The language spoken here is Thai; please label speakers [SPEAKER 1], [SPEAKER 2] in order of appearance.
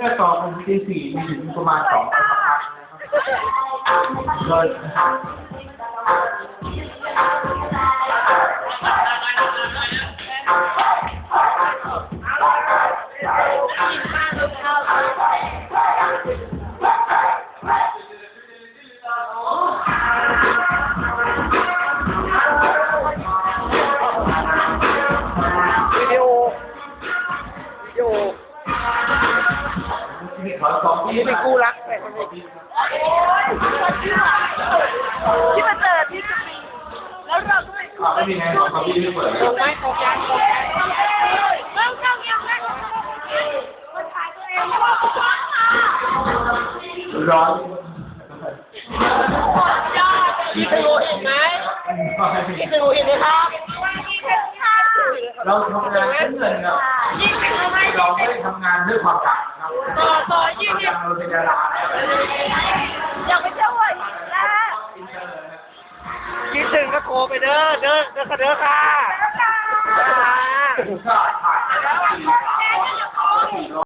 [SPEAKER 1] จะต่อกันที่สี่มีถึงประมาณ2 พันนะครับโดยมีขอ2 ปีเป็นกู้รักแต่คนนี้
[SPEAKER 2] ที่มาเจอที่จะมีแล้วเราก็ไม่
[SPEAKER 1] ไม่มีไง2 ปีไม่เปิด
[SPEAKER 2] ตรงไหมตรงกันเริ่มเข้าเงียบแล้วคนถ่ายตัวเอง
[SPEAKER 1] ร้อน
[SPEAKER 2] พี่เคยรู้เห็นไหมพี่เคยรู้เห็นไหมครับ
[SPEAKER 1] เราทำงานเพื่อเงินครับเราไม่ได้ทำงานด้วยความรักครับ
[SPEAKER 2] ต่อยิ่ง
[SPEAKER 1] เราเป็นดารา
[SPEAKER 2] อยากไปเที่ยวอีกแล้วคิดถึงก็โทรไปเด้อค่ะ